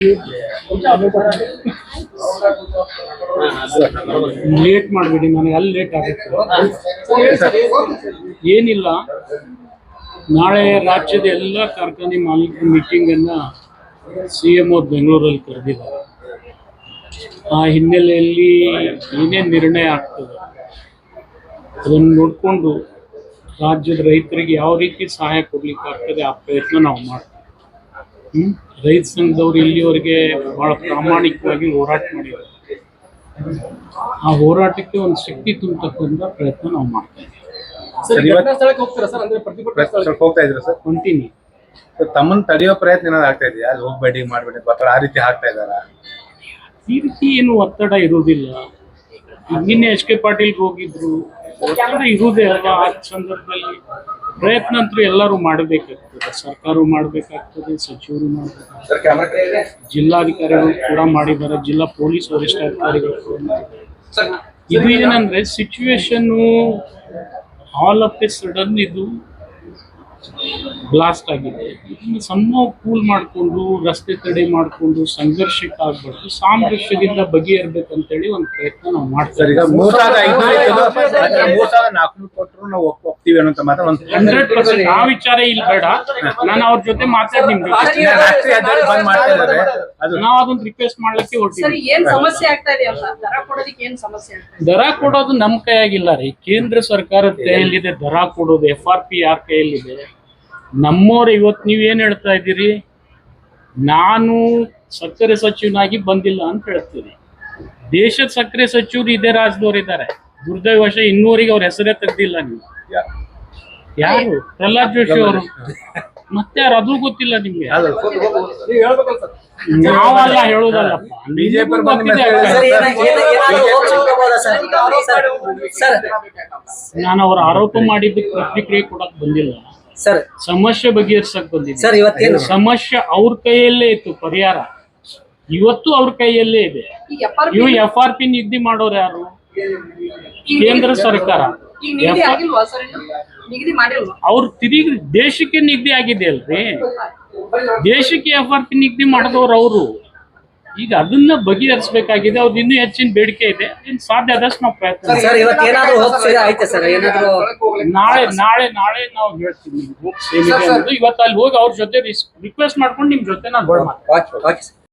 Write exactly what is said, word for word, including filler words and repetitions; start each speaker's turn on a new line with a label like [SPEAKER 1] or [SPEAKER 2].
[SPEAKER 1] Late ಮಾಡಬೇಡಿ, ನನಗೆ ಅಲ್ಲಿ ಲೇಟ್ ಆಗುತ್ತೆ. ಏನಿಲ್ಲ, ನಾಳೆ ರಾಜ್ಯದ ಎಲ್ಲ ಕಾರ್ಖಾನೆ ಮಾಲೀಕರ ಮೀಟಿಂಗನ್ನು ಸಿ ಎಂ ಅವ್ರು ಬೆಂಗಳೂರಲ್ಲಿ ಕರೆದಿದ್ದಾರೆ. ಆ ಹಿನ್ನೆಲೆಯಲ್ಲಿ ಏನೇನು ನಿರ್ಣಯ ಆಗ್ತದೆ ಅದನ್ನು ನೋಡಿಕೊಂಡು ರಾಜ್ಯದ ರೈತರಿಗೆ ಯಾವ ರೀತಿ ಸಹಾಯ ಕೊಡ್ಲಿಕ್ಕೆ ಆಗ್ತದೆ ಆ ಪ್ರಯತ್ನ ನಾವು ಮಾಡ್ತೀವಿ. ಹ್ಮ್ ರೈತ ಸಂಘದವ್ರು ಇಲ್ಲಿವರೆಗೆ ಬಹಳ ಪ್ರಾಮಾಣಿಕವಾಗಿ ಹೋರಾಟ ಮಾಡಿದ್ದಾರೆ. ಆ ಹೋರಾಟಕ್ಕೆ ಒಂದು ಶಕ್ತಿ ತುಂಬತಕ್ಕಂಥ ಪ್ರಯತ್ನ ನಾವು ಮಾಡ್ತಾ
[SPEAKER 2] ಇದ್ದೀವಿ.
[SPEAKER 1] ಕಂಟಿನ್ಯೂ
[SPEAKER 2] ತಮ್ಮನ್ನ ತಡೆಯೋ ಪ್ರಯತ್ನ ಏನಾದ್ರು ಆಗ್ತಾ ಇದೆಯಾ? ಅಲ್ಲಿ ಹೋಗ್ಬೇಡಿ ಮಾಡ್ಬೇಡಿ ಒತ್ತಡ ಆ ರೀತಿ ಆಗ್ತಾ ಇದಾರ?
[SPEAKER 1] ಈ ರೀತಿ ಏನು ಒತ್ತಡ ಇರುವುದಿಲ್ಲ. ನಿನ್ನೆ ಎಚ್ ಕೆ ಪಾಟೀಲ್ ಹೋಗಿದ್ರು, ಒತ್ತಡ ಇರುವುದೇ ಅಲ್ವಾ. ಆ ಸಂದರ್ಭದಲ್ಲಿ ಪ್ರಯತ್ನ ಅಂತೂ ಎಲ್ಲರೂ ಮಾಡಬೇಕಾಗ್ತದೆ. ಸರ್ಕಾರವು ಮಾಡಬೇಕಾಗ್ತದೆ, ಸಚಿವರು ಮಾಡಬೇಕಾಗ್ತದೆ, ಜಿಲ್ಲಾಧಿಕಾರಿಗಳು ಕೂಡ ಮಾಡಿದ್ದಾರೆ, ಜಿಲ್ಲಾ ಪೊಲೀಸ್ ವರಿಷ್ಠಾಧಿಕಾರಿಗಳು ಕೂಡ ಮಾಡಿದ್ದಾರೆ. ಇದು ಏನಂದ್ರೆ situation all of a sudden ಇದು ಬ್ಲಾಸ್ಟ್ ಆಗಿದೆ. ಇದನ್ನು ಸಮ ಕೂಲ್ ಮಾಡಿಕೊಂಡು ರಸ್ತೆ ತಡೆ ಮಾಡಿಕೊಂಡು ಸಂಘರ್ಷಕ್ಕೆ ಆಗ್ಬಾರ್ದು, ಸಾಮರಸ್ಯದಿಂದ ಬಗೆಹರ್ಬೇಕಂತೇಳಿ ಒಂದು ಪ್ರಯತ್ನ ನಾವು ಮಾಡ್ತೀವಿ. ಹಂಡ್ರೆಡ್ ಪರ್ಸೆಂಟ್ ಆ ವಿಚಾರ ಇಲ್ಲಿ ಬೇಡ, ನಾನು ಅವ್ರ ಜೊತೆ ಮಾತಾಡಿ ನಿಮ್ಗೆ ನಾವು ಅದೊಂದು ರಿಕ್ವೆಸ್ಟ್ ಮಾಡ್ಲಿಕ್ಕೆ ಹೊರಟಿದ್ದೀವಿ. ದರ ಕೊಡೋದು ನಮ್ಮ ಕೈಯಾಗಿಲ್ಲ ರೀ, ಕೇಂದ್ರ ಸರ್ಕಾರದ ಕೈಯಲ್ಲಿದೆ ದರ ಕೊಡೋದು. ಎಫ್ ಆರ್ ಪಿ ಯಾರ ಕೈಯಲ್ಲಿದೆ? ನಮ್ಮವ್ರು ಇವತ್ತು ನೀವೇನು ಹೇಳ್ತಾ ಇದ್ದೀರಿ, ನಾನು ಸಕ್ಕರೆ ಸಚಿವನಾಗಿ ಬಂದಿಲ್ಲ ಅಂತ ಹೇಳ್ತೀರಿ. ದೇಶದ ಸಕ್ಕರೆ ಸಚಿವರು ಇದೇ ರಾಜ್ಯದವ್ರು ಇದ್ದಾರೆ. ದುರ್ದೈವಶ ಇನ್ನೂರಿಗೆ ಅವ್ರ ಹೆಸರೇ ತೆಗ್ದಿಲ್ಲ ನೀವು. ಯಾರು? ಪ್ರಹ್ಲಾದ್ ಜೋಶಿ ಅವರು. ಮತ್ತೆ ಯಾರು? ಅದು ಗೊತ್ತಿಲ್ಲ ನಿಮ್ಗೆ. ನಾವೆಲ್ಲ ಹೇಳೋದಲ್ಲಪ್ಪ, ನಾನು ಅವ್ರ ಆರೋಪ ಮಾಡಿದ್ದಕ್ಕೆ ಪ್ರತಿಕ್ರಿಯೆ ಕೊಡಕ್ ಬಂದಿಲ್ಲ
[SPEAKER 3] ಸರ್.
[SPEAKER 1] ಸಮಸ್ಯೆ ಬಗೆಹರಿಸಕ್ ಬಂದಿದೆ
[SPEAKER 3] ಸರ್. ಇವತ್ತೇನು
[SPEAKER 1] ಸಮಸ್ಯೆ ಅವ್ರ ಕೈಯಲ್ಲೇ ಇತ್ತು, ಪರಿಹಾರ ಇವತ್ತು ಅವ್ರ ಕೈಯಲ್ಲೇ ಇದೆ. ಇವು ಎಫ್ ಆರ್ ಪಿ ನಿಗದಿ ಮಾಡೋರು ಯಾರು? ಕೇಂದ್ರ ಸರ್ಕಾರ. ಅವ್ರು ತಿರುಗಿ ದೇಶಕ್ಕೆ ನಿಗದಿ ಆಗಿದೆ ಅಲ್ರಿ, ದೇಶಕ್ಕೆ ಎಫ್ ಆರ್ ಪಿ ನಿಗದಿ ಮಾಡಿದವ್ರು ಅವರು. ಈಗ ಅದನ್ನ ಬಗೆಹರಿಸಬೇಕಾಗಿದೆ. ಅವ್ರದ್ದು ಇನ್ನೂ ಹೆಚ್ಚಿನ ಬೇಡಿಕೆ ಇದೆ, ಇನ್ ಸಾಧ್ಯ ಆದಷ್ಟು ನಾವು ಪ್ರಯತ್ನ. ನಾಳೆ ನಾಳೆ ನಾಳೆ ನಾವು ಹೇಳ್ತೀವಿ. ಇವತ್ತು ಅಲ್ಲಿ ಹೋಗಿ ಅವ್ರ ಜೊತೆ ರಿಕ್ವೆಸ್ಟ್ ಮಾಡ್ಕೊಂಡು ನಿಮ್ ಜೊತೆ ನಾನು